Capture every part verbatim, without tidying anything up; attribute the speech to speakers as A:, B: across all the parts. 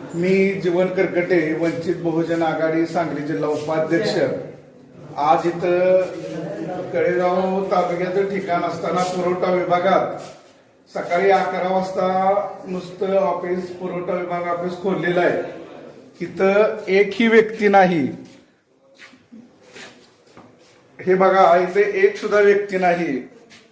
A: मी जीवन करकटे, वंचित बहुजन आघाडी सांगली जिल्हा उपाध्यक्ष. आज इथं कळेगाव तालुक्याचं ठिकाण असताना पुरवठा विभागात सकाळी अकरा वाजता नुसतं ऑफिस, पुरवठा विभाग ऑफिस खोललेलं आहे. इथं एकही व्यक्ती नाही. हे बघा, इथे एक सुद्धा व्यक्ती नाही.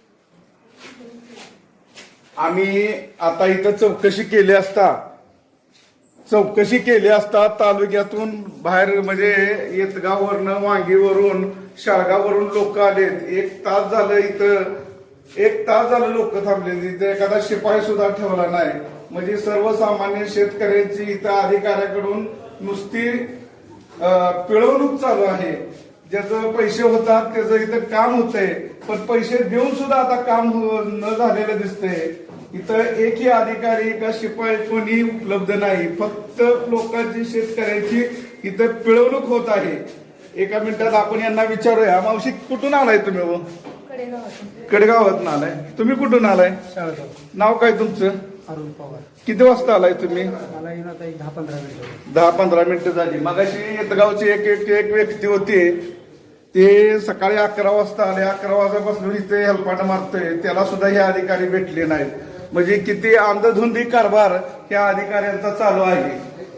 A: आम्ही आता इथं चौकशी केली असता चौकशी केली असता तालुक्यातून बाहेर म्हणजे येतगाववरनं, वांगीवरून, शाळगाववरून लोक आलेत. एक तास झालं इथं एक तास झालं लोक थांबले. इथं एखादा शिपाई सुद्धा ठेवला नाही. म्हणजे सर्वसामान्य शेतकऱ्यांची इथं अधिकाऱ्याकडून नुसती पिळवणूक चालू आहे. ज्याचं पैसे होतात त्याचं इथं काम होतंय, पण पैसे देऊन सुद्धा आता काम न झालेलं दिसतंय. इथं एकही अधिकारी का शिपाई कोणी उपलब्ध नाही. फक्त लोकांची, शेतकऱ्यांची इथं पिळवणूक होत आहे. एका मिनिटात आपण यांना विचारूया. मावशी, कुठून आलाय तुम्ही? व कडेगावात आलाय. तुम्ही कुठून आलाय? नाव काय तुमचं?
B: अरुण पवार.
A: किती वाजता आलाय तुम्ही?
B: दहा पंधरा मिनिटं
A: दहा पंधरा मिनिटं झाली. मगाशी येतगावची एक एक एक व्यक्ती होती, ते सकाळी अकरा वाजता आले. अकरा वाजल्यापासून इथे हेलपाट मारतोय, त्याला सुद्धा हे अधिकारी भेटले नाहीत. म्हणजे किती अंधधुंदी कारभार या अधिकाऱ्यांचा चालू आहे.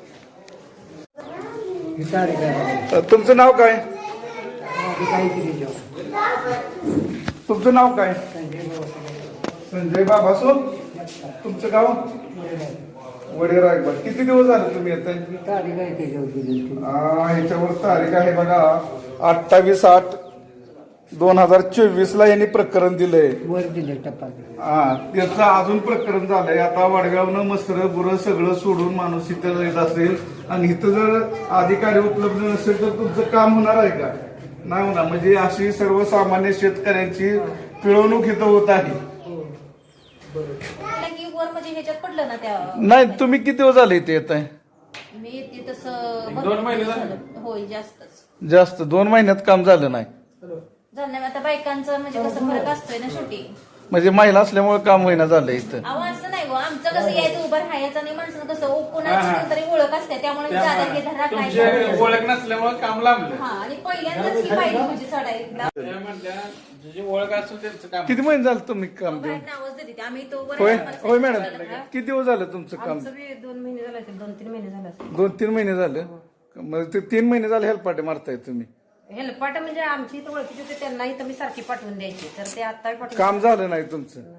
A: तुमचं नाव काय? तुमचं नाव काय? संजय बाबासो. तुमचं गाव? वडेरायगड. किती दिवस झाले तुम्ही येत? ह्याच्यावर तारीख आहे बघा, अठ्ठावीस आठ दोन हजार चोवीस ला यांनी प्रकरण दिलंय.
B: वर दिले टप्पा.
A: हा, त्याचं अजून प्रकरण झालंय. आता वडगावनं मसर बुरं सगळं सोडून माणूस इथं येत असेल आणि इथं जर अधिकारी उपलब्ध नसेल तर तुमचं काम होणार आहे का? नाही होणार. म्हणजे अशी सर्वसामान्य शेतकऱ्यांची पिळवणूक इथं होत आहे. नाही, तुम्ही किती दिवस झाले इथे येत आहे?
C: मी येते तसं दोन महिने झाले. होय, जास्तच.
A: जास्त दोन महिन्यात काम झालं नाही.
C: झालं नाही. आता बायकांचं म्हणजे कसं फरक असतोय ना शेवटी.
A: म्हणजे महिला असल्यामुळे काम होईना झालं इथं.
C: अहो, असं नाही. आमचं कसं यायचं, उभं राहायचं नाही. माणसानं कसं कोणाची तरी ओळख असते, त्यामुळे जादा हे धरा काय
D: ओळख नसल्यामुळे काम लांबलं.
C: हा. आणि पहिल्यांदाच ही पाहिली म्हणजे चढायला
D: जी ओळख असेल त्यांचं काम.
A: किती महिने झालं तुम्ही काम देऊन?
C: नावच देते आम्ही. तो
A: होय होय मॅडम, किती दिवस झालं तुमचं काम?
C: दोन महिने झाले असेल, दोन तीन महिने झाले.
A: दोन तीन महिने झालं. मग ते तीन महिने झाले हेल्पाटे मारताय तुम्ही.
C: हेल्पाट म्हणजे आमची इथं ओळखीची होते, त्यांना इथं मी सारखी पाठवून द्यायची, तर ते आता
A: काम झालं नाही तुमचं.